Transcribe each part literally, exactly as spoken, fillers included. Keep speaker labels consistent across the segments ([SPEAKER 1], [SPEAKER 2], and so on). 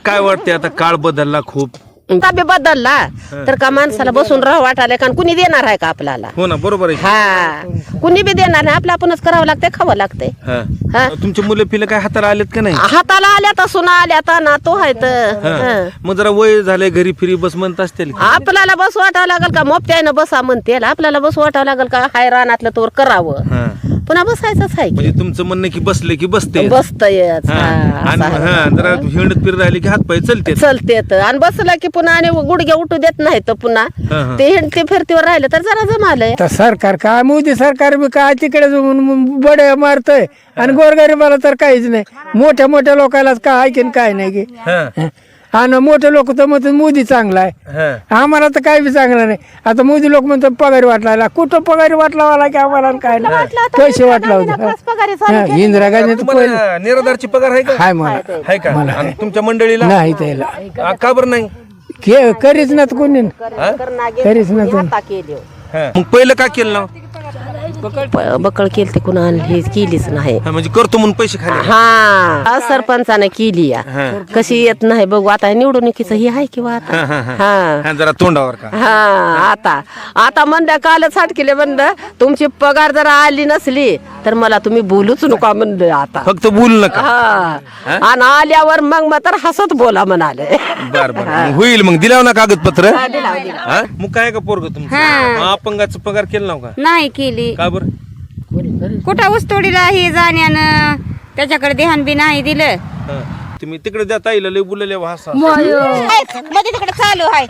[SPEAKER 1] काय वाटते आता काळ बदलला खूप
[SPEAKER 2] ताबे बदलला तर का माणसाला बसून राह वाटायला कारण कुणी देणार आहे का आपल्याला
[SPEAKER 1] हो ना बरोबर आहे
[SPEAKER 2] हा कुणी बी देणार नाही आपलं आपणच करावं लागतंय खावं लागतंय
[SPEAKER 1] हा.
[SPEAKER 2] हा.
[SPEAKER 1] तुमचे मुलं पिलं काय हाताला आलेत का नाही
[SPEAKER 2] हाताला आल्या तर सुना आल्या तर ना तो आहे तर
[SPEAKER 1] हा. मग जरा वय झालंय घरी फिरी बस म्हणत असतील की?
[SPEAKER 2] आपल्याला बस वाटावं लागल का मोपत्यानं बसा म्हणते आपल्याला बस वाटावं लागल का हाय रानातलं तोर करावं
[SPEAKER 1] हा.
[SPEAKER 2] पुन्हा बसायचंच आहे
[SPEAKER 1] म्हणजे तुमचं म्हणणं की बसले की बसते
[SPEAKER 2] बसतयच
[SPEAKER 1] हा. आणि हा जरा हिंडत फिरत राहिले की हात पाय चलते
[SPEAKER 2] चलते आणि बसला की पुन्हा आणि गुडघे उठू देत नाही तर पुन्हा
[SPEAKER 1] हा, हा.
[SPEAKER 2] ते हिंडते फिरतीवर राहिलं तर जरा जमालंय
[SPEAKER 3] तर सरकार काय मोदी सरकार बी काय तिकडे बडे मारतय आणि गोरगरिबाला तर काहीच नाही मोठ्या मोठ्या लोकांनाच काय ऐकेन काय नाही की
[SPEAKER 1] हा.
[SPEAKER 3] आणि मोठे लोक तर म्हणतात मोदी चांगला आहे
[SPEAKER 1] हा.
[SPEAKER 3] आम्हाला तर काही बी चांगलं नाही आता मोदी लोक म्हणतात पगारी वाटला कुठं पगारी वाटला की आम्हाला काय नाही पैसे वाटला होता इंदिरा गांधी तर पहिले
[SPEAKER 1] तुम्हाला निराधारची पगार आहे का
[SPEAKER 3] हाय मला
[SPEAKER 1] आहे का आणि तुमच्या मंडळीला
[SPEAKER 3] नाही त्याला
[SPEAKER 1] आ, का बरं नाही
[SPEAKER 3] के करीच ना कोणी करीच ना
[SPEAKER 1] हा. मग पहिलं का केलं ना
[SPEAKER 2] बकळ केली ते कुणा हे केलीच नाही
[SPEAKER 1] हा, म्हणजे करतो म्हणून पैसे खाले
[SPEAKER 2] हा सरपंचाने केली या
[SPEAKER 1] हा.
[SPEAKER 2] कशी येत नाही बघू आता निवडणुकीचं हे आहे किंवा आता
[SPEAKER 1] हा, हा, हा.
[SPEAKER 2] हा
[SPEAKER 1] हा, जरा तोंडावर का
[SPEAKER 2] हा आता आता म्हणलं कालच हाट केले म्हणलं तुमची पगार जर आली नसली तर मला तुम्ही बोलूच नका म्हणलं आता
[SPEAKER 1] फक्त बोल नका
[SPEAKER 2] हा आणि आल्यावर मग मग तर हसत बोला म्हणाले
[SPEAKER 1] बर बर मग होईल मग दिलाव ना कागदपत्र हा? मग काय का पोरग तुमचं अपंगाचं पगार केलं नाव का
[SPEAKER 4] नाही केली
[SPEAKER 1] का बर
[SPEAKER 4] कुठं ऊसतोडीला हे जाण्यानं त्याच्याकडे ध्यान बी नाही दिलं
[SPEAKER 1] तुम्ही तिकडे द्या ताईला लय बोलले भाषा
[SPEAKER 4] मध्ये तिकडे चालू आहे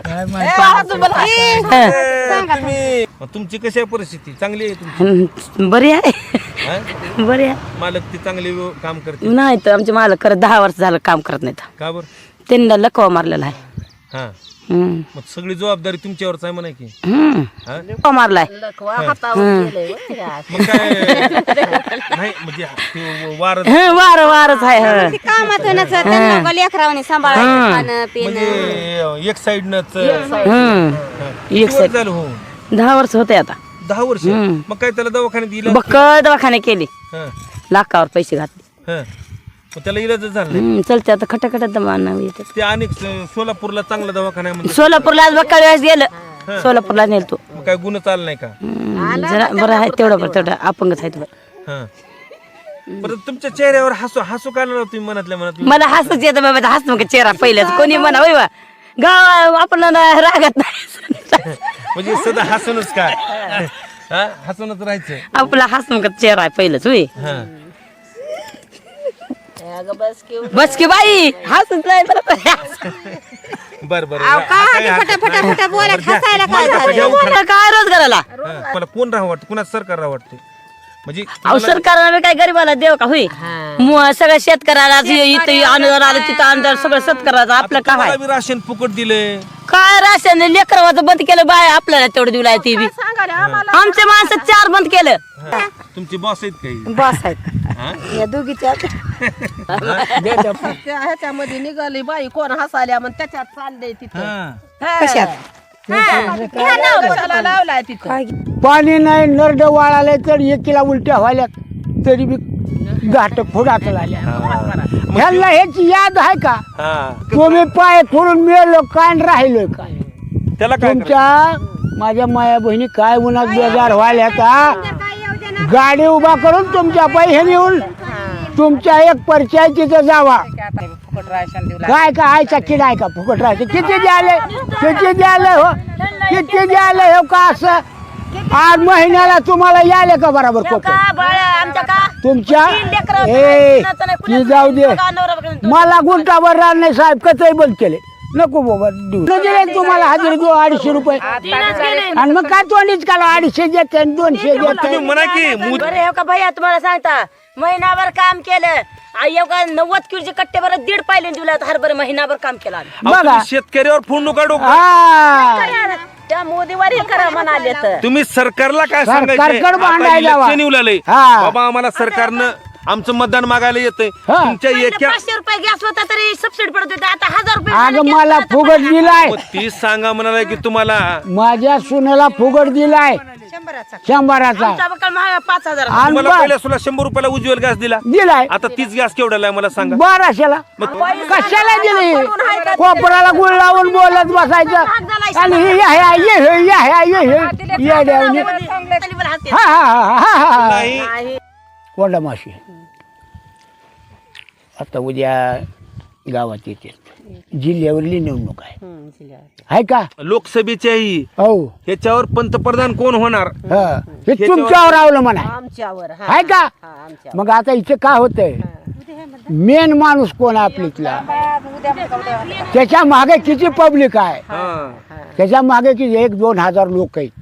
[SPEAKER 1] तुम्ही मग तुमची कशी आहे परिस्थिती चांगली आहे तुमची
[SPEAKER 5] बरी आहे
[SPEAKER 1] हा?
[SPEAKER 5] बरी आहे
[SPEAKER 1] मालक ती चांगली व्य- काम करते
[SPEAKER 5] नाही तर आमचे मालक खरं दहा वर्ष झालं काम करत नाहीत
[SPEAKER 1] का बर
[SPEAKER 5] त्यांना लकवा मारलेला आहे
[SPEAKER 1] हा
[SPEAKER 5] हम्म.
[SPEAKER 1] मग सगळी जबाबदारी तुमच्यावरच आहे म्हणा की
[SPEAKER 5] हम्म.
[SPEAKER 1] हा?
[SPEAKER 5] लकवा मारलाय
[SPEAKER 1] मग काय नाही म्हणजे ते वार
[SPEAKER 5] हं, वार वारच आहे हं.
[SPEAKER 4] कामातूनच त्यांना लेकरावानी सांभाळायचं खाणं पिणं
[SPEAKER 1] म्हणजे एक साइड नच
[SPEAKER 5] हं. एक साईड
[SPEAKER 1] झालं हो
[SPEAKER 5] दहा वर्ष होते आता
[SPEAKER 1] दहा वर्ष मग काय त्याला दवाखान्यात दिलं
[SPEAKER 5] बक्क दवाखाने केली
[SPEAKER 1] हं,
[SPEAKER 5] लाखावर पैसे घातले
[SPEAKER 1] हं. मग त्याला इलाज झाला नाही.
[SPEAKER 5] हं, चलते आता खटाखटा दमा येतात
[SPEAKER 1] ते अनेक स- सोलापूरला चांगला दवाखाना आहे म्हणजे
[SPEAKER 5] सोलापूरला आज बक्का वेळेस गेलं सोलापूरला नेल तो
[SPEAKER 1] मग काय गुन्हा चालला नाही का
[SPEAKER 5] हं, जरा बरं आहे तेवढं बरं तेवढं अपंगच आहे बरं
[SPEAKER 1] हं. परत तुमच्या चेहऱ्यावर हसू हसू का आलं तुम्ही मनातल्या मनात
[SPEAKER 5] मला हसच येतं बाबा हस मग चेहरा पहिल्याच कोणी म्हणा होय बा गाव आपल्याला रागत नाही
[SPEAKER 1] म्हणजे सदा हसूनच काय हा? हसूनच राहायचं
[SPEAKER 5] आपला हस मग चेहरा आहे पहिलंच होय
[SPEAKER 1] हं.
[SPEAKER 5] बस की बाई हसत नाही
[SPEAKER 1] बर बर
[SPEAKER 4] फटाफटा फटा बोलत हसायला काय झालं
[SPEAKER 5] काय रोजगाराला
[SPEAKER 1] मला कोण राहा वाटतं कुणाच सरकार राहा वाटते म्हणजे
[SPEAKER 5] अहो सरकारला काय गरीबाला देव का होई मग सगळं शेतकऱ्याला इथं अनुदान आलं तिथं अनुदान सगळं शेतकऱ्याचं आपलं काय
[SPEAKER 1] तुम्हाला बी राशन फुकट दिले
[SPEAKER 5] काय राशन लेकरवाचं बंद केलं बाय आपल्याला तेवढं दिलं आहे ती बी आमच्या माणसं चार बंद केलं
[SPEAKER 1] तुमची बॉस आहेत काही
[SPEAKER 2] बस आहेत
[SPEAKER 1] हा?
[SPEAKER 2] या दोघीच्या ह्याच्यामध्ये निघाली बाई कोण हसाल्या मग त्याच्यात चाललंय तिथं
[SPEAKER 1] हा.
[SPEAKER 2] कशात कशाला लावलाय तिथं
[SPEAKER 3] पाणी नाही नरड वाळाले तर एकीला उलट्या व्हायला तरी बी घाट फुडाच लागल्या ह्यांना ह्याची याद आहे का
[SPEAKER 1] हा.
[SPEAKER 3] तुम्ही पाय खोडून मिळलो काय आणि राहिलोय काय
[SPEAKER 1] त्याला काय
[SPEAKER 3] तुमच्या माझ्या माया बहिणी काय उन्हात बेजार व्हायला का गाडी उभा करून तुमच्या पैसे नेऊन तुमच्या एक परिचय तिथं जावा काय का आयचा किडा आहे का फुकट राहायचं किती द्याले किती द्याले हो किती द्याले हो का असं आठ महिन्याला तुम्हाला याले का बरोबर तुमच्या ए ती जाऊ दे मला गुंठाभर राहणार नाही साहेब कसंही बंद केले नको बाबा देऊ दिले तुम्हाला हजेरी देऊ अडीचशे रुपये आणि मग काय तोंडीच काला अडीचशे देते आणि दोनशे देते
[SPEAKER 1] तुम्ही म्हणा की मूद-
[SPEAKER 5] बरं हो का भैया तुम्हाला सांगता महिनाभर काम केलं आई का नव्वद किलोचे कट्टे बरं दीड पाहिले दिला हरभर महिनाभर काम केलं आम्ही.
[SPEAKER 1] अहो,
[SPEAKER 3] बघा.
[SPEAKER 1] तुम्ही शेतकऱ्यावर फोन नका डोकं
[SPEAKER 3] हा
[SPEAKER 2] त्या मोदीवर हे करा म्हणाले तर
[SPEAKER 1] तुम्ही सरकारला काय
[SPEAKER 3] सरकारकडे
[SPEAKER 1] सांगायचं
[SPEAKER 3] भांडायला जावा.
[SPEAKER 1] निवलालय
[SPEAKER 3] हा.
[SPEAKER 1] बाबा आम्हाला सरकारनं आमचं मतदान मागायला येतंय
[SPEAKER 3] हा.
[SPEAKER 1] तुमच्या
[SPEAKER 5] पहिलं
[SPEAKER 1] एका
[SPEAKER 5] पाचशे रुपये गॅस होता तरी सबसिडी पडत होती आता हजार रुपये
[SPEAKER 3] अगं मला फुगट दिलाय,
[SPEAKER 1] मग तीच सांगा म्हणाला की तुम्हाला
[SPEAKER 3] माझ्या सुनेला फुगट दिलाय शंभराचा
[SPEAKER 5] आमचा बक्कळ महाग पाच हजार
[SPEAKER 3] आणि
[SPEAKER 1] तुम्हाला
[SPEAKER 3] बा-
[SPEAKER 1] पहिल्या सुला शंभर रुपयाला उज्ज्वल गॅस दिला,
[SPEAKER 3] दिलाय
[SPEAKER 1] आता तीच गॅस केवढ्याला आहे मला सांगा.
[SPEAKER 3] बाराशेला. कशाला दिली? कोपराला गुळ लावून बोलत बसायचं आणि हे या ह्या ये हे या ह्या ये हे येड्यावनी. हा हा हा हा हा
[SPEAKER 1] नाही
[SPEAKER 3] कोंडा माशी आता उद्या गावात येते, जिल्ह्यावरली निवडणूक आहे आहे का?
[SPEAKER 1] लोकसभेच्याही
[SPEAKER 3] हो
[SPEAKER 1] ह्याच्यावर पंतप्रधान कोण होणार
[SPEAKER 3] हा. हे तुमच्यावर आवलं म्हणा
[SPEAKER 2] आमच्यावर हा.
[SPEAKER 3] आहे का?
[SPEAKER 2] हा, आमच्यावर.
[SPEAKER 3] मग आता इथे काय होतंय, मेन माणूस कोण आहे आपलीतला, त्याच्या मागे किती पब्लिक आहे,
[SPEAKER 1] हा.
[SPEAKER 3] त्याच्या मागे किती एक दोन हजार लोक आहेत.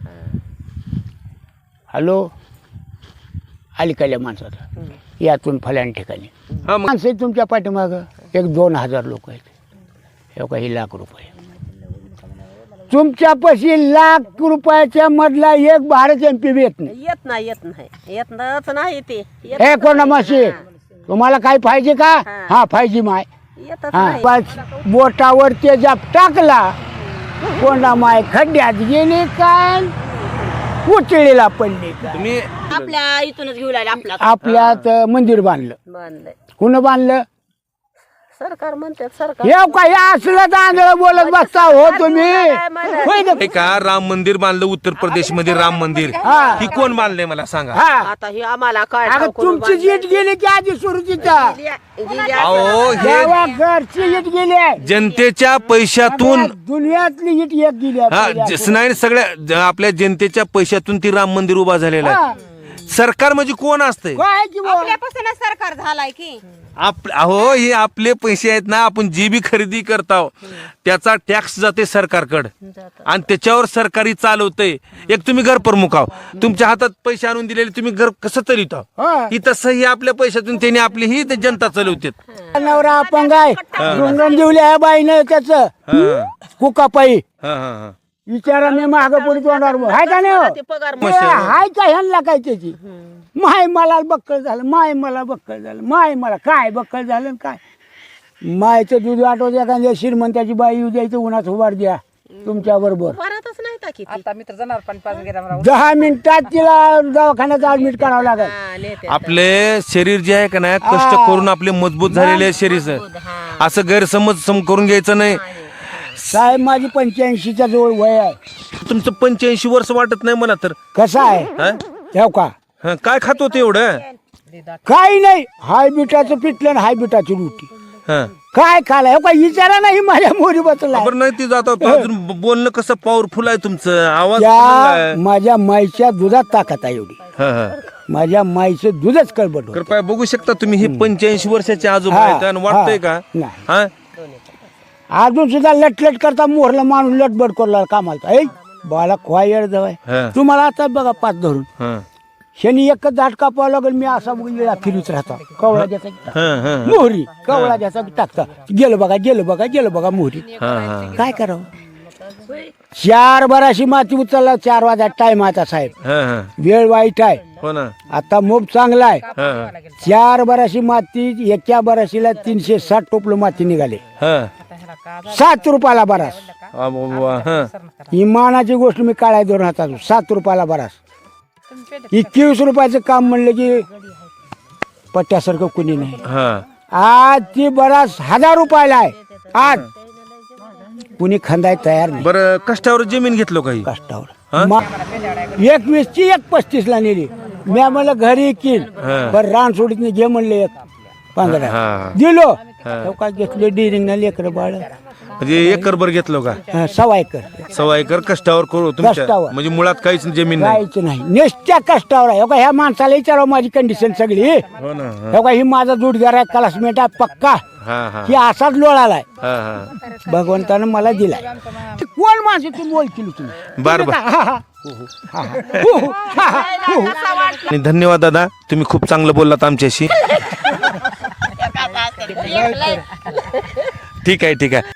[SPEAKER 3] हॅलो अलीकडल्या माणसाचा यातून फल्यान ठिकाणी
[SPEAKER 1] हा, मग
[SPEAKER 3] माणसं आहेत तुमच्या पाठीमागं एक दोन हजार लोक आहेत. हे काही लाख रुपये तुमच्यापाशी लाख रुपयाच्या मधला एक भारत एम पी येत नाही.
[SPEAKER 2] येत नाही येत नाही येतच नाही ते येत
[SPEAKER 3] हे कोणा माशी तुम्हाला काय पाहिजे का? हा पाहिजे माय.
[SPEAKER 2] येतच
[SPEAKER 3] हा
[SPEAKER 2] नाही.
[SPEAKER 3] बस बोटावर ते जाप टाकला कोंडा माय खड्ड्यात गेली काय उचळीला पडली काय.
[SPEAKER 5] तुम्ही आपल्या इथूनच घेऊ लागले आपला
[SPEAKER 3] आपल्यात मंदिर बांधलं,
[SPEAKER 2] बांधलंय
[SPEAKER 3] कुणं बांधलं?
[SPEAKER 2] सरकार म्हणतात सरकार
[SPEAKER 3] हे काय असलं तांदळ बोलत बसता हो तुम्ही? होय ना?
[SPEAKER 1] हे का राम मंदिर बांधलं उत्तर प्रदेश मध्ये, राम मंदिर
[SPEAKER 3] हा.
[SPEAKER 1] ही कोण बांधलंय मला सांगा.
[SPEAKER 3] हा
[SPEAKER 2] आता ही आम्हाला काय
[SPEAKER 3] अगं
[SPEAKER 2] ठाऊक
[SPEAKER 3] तुमची जीट गेली की आधी सुरू तिथं
[SPEAKER 2] गेली
[SPEAKER 1] अहो हे
[SPEAKER 3] देवा घरची जीट गेली आहे.
[SPEAKER 1] जनतेच्या पैशातून
[SPEAKER 3] दुनियातली जीट एक गेली आहे
[SPEAKER 1] हा
[SPEAKER 3] पहिल्या.
[SPEAKER 1] ज- नाही सगळ्या ज- आपल्या जनतेच्या पैशातून ती राम मंदिर उभा झालेलं
[SPEAKER 3] हा.
[SPEAKER 1] आहे. सरकार म्हणजे कोण असतंय?
[SPEAKER 3] काय की बुवा?
[SPEAKER 4] आपल्यापासूनच सरकार झालाय की
[SPEAKER 1] आप अहो हे आपले पैसे आहेत ना, आपण जी बी खरेदी करतो त्याचा टॅक्स जाते सरकारकडे आणि त्याच्यावर सरकारी चालवतंय. एक तुम्ही घर प्रमुख आहो, तुमच्या हातात पैसे आणून दिलेले तुम्ही घर कसं चालवता,
[SPEAKER 3] हा.
[SPEAKER 1] ही तसं ही आपल्या पैशातून त्यांनी आपली ही ते जनता चालवतात.
[SPEAKER 3] नवरा अपंग आहे, रुंगण दिवल्या आहे बाईनं त्याच कुकापाई
[SPEAKER 1] हा हा हा
[SPEAKER 3] विचारा मी माग पुढे तोंडावर हाय का नाही हो?
[SPEAKER 2] ते पगार
[SPEAKER 3] ते हाय का ह्यांना काय त्याची माय मला बक्कळ झालं, माय मला बक्कळ झालं, माय मला काय बक्कळ झालं आणि काय मायचं दूध आठवत एखाद्या श्रीमंताची बाई येऊ द्यायचं उन्हात उभार द्या तुमच्या बरोबर
[SPEAKER 2] भरतच नाही का किती
[SPEAKER 6] आता मी तर जाणार पण पाच गेला
[SPEAKER 3] दहा मिनिटात तिला दवाखान्यात ऍडमिट करावं लागेल.
[SPEAKER 2] हा, नेते.
[SPEAKER 1] आपले शरीर जे आहे का नाही कष्ट करून आपले मजबूत झालेले शरीर असं गैरसमज सम करून घ्यायचं नाही.
[SPEAKER 3] साहेब माझी पंच्याऐंशीच्या जवळ वय आहे.
[SPEAKER 1] तुमचं पंच्याऐंशी वर्ष वाटत नाही मला तर.
[SPEAKER 3] कसं आहे
[SPEAKER 1] हा?
[SPEAKER 3] ठेव का
[SPEAKER 1] हा, काय खात होते एवढं?
[SPEAKER 3] काही नाही, हाय बिटाचं पिटलं आणि हाय बिटाची रोटी
[SPEAKER 1] हा.
[SPEAKER 3] काय खाला हो का विचारा नाही माझ्या मोरी बसला
[SPEAKER 1] बरं नाही ती जात अजून बोलणं कसं पॉवरफुल आहे तुमचं, आवाज
[SPEAKER 3] त्या
[SPEAKER 1] चांगला आहे.
[SPEAKER 3] माझ्या माईच्या दुधात ताकद आहे एवढी,
[SPEAKER 1] हा, हा.
[SPEAKER 3] माझ्या माईचं दूधच कळबट होतं.
[SPEAKER 1] कृपया बघू शकता तुम्ही हे पंच्याऐंशी वर्षाचे आजोबा
[SPEAKER 3] हा,
[SPEAKER 1] आहेत आणि वाटतंय
[SPEAKER 3] हा,
[SPEAKER 1] का
[SPEAKER 3] नाही.
[SPEAKER 1] हा
[SPEAKER 3] अजून सुद्धा लटलट करता मोरला माणूस लटबट करला कामाला ऐ बाला खोयर
[SPEAKER 1] हा.
[SPEAKER 3] जवळ तुम्हाला आता बघा पाच धरून
[SPEAKER 1] हा,
[SPEAKER 3] शनी एकच दाट कापावं लागेल मी असा वेळा फिरत राहता कवळा द्याचा की टाक.
[SPEAKER 1] हा, हा,
[SPEAKER 3] मोहरी कवळा द्याचा की टाकता गेलं बघा गेलं बघा गेलं बघा मोहरी
[SPEAKER 1] हा, हा.
[SPEAKER 3] काय करावं चार बाराशी माती उचलला चार वाजता टाइम आता साहेब
[SPEAKER 1] हा, हा.
[SPEAKER 3] वेळ वाईट आहे
[SPEAKER 1] हो ना.
[SPEAKER 3] आता मोब चांगला आहे
[SPEAKER 1] हा, हा.
[SPEAKER 3] चार बाराशी माती एका बाराशीला तीनशे साठ टोपलं माती निघाले
[SPEAKER 1] हा.
[SPEAKER 3] सात रुपयाला बरास
[SPEAKER 1] आ, ब- ब- हा.
[SPEAKER 3] इमानाची गोष्ट मी काळ्या दोन हातात सात रुपयाला बरास एकवीस रुपयाचं काम म्हणलं की पट्ट्यासारखं कुणी नाही.
[SPEAKER 1] हा.
[SPEAKER 3] आज ती बरास हजार रुपयाला आहे आज कुणी खंदाय तयार नाही
[SPEAKER 1] बरं कष्टावर जमीन घेतलो काही हा?
[SPEAKER 3] कष्टावर एकवीस ची एक पस्तीस ला नेली मी मला घरी येईल
[SPEAKER 1] हा.
[SPEAKER 3] पण रान सोडीत नाही घे म्हणले एक पंधरा
[SPEAKER 1] हा.
[SPEAKER 3] दिलो काय घेतलं डिरिंग ना लेकर बाळ
[SPEAKER 1] म्हणजे एकर भर घेतलो का?
[SPEAKER 3] हा, सवा एकर
[SPEAKER 1] सव्वा एकर कष्टावर करू तुमच्या
[SPEAKER 3] कष्टावर.
[SPEAKER 1] म्हणजे मुळात काहीच जमीन नाही.
[SPEAKER 3] काहीच नाही नेसत्या कष्टावर आहे हो का ह्या माणसाला विचारावं माझी कंडिशन सगळी
[SPEAKER 1] हो ना. हा.
[SPEAKER 3] हो का ही माझा जोडदार आहे क्लासमेट आहे पक्का
[SPEAKER 1] हा, हा.
[SPEAKER 3] की असाच लोळालाय
[SPEAKER 1] हा, हा.
[SPEAKER 3] भगवंतानं मला दिलाय ते कोण माणसं तुम्ही ओळखील तुम्ही
[SPEAKER 1] बर बर
[SPEAKER 3] हा, हा. हा, हा. हो, हो. हा, हा. हो, हो.
[SPEAKER 1] आणि धन्यवाद दादा, तुम्ही खूप चांगलं बोललात आमच्याशी. ठीक आहे ठीक आहे.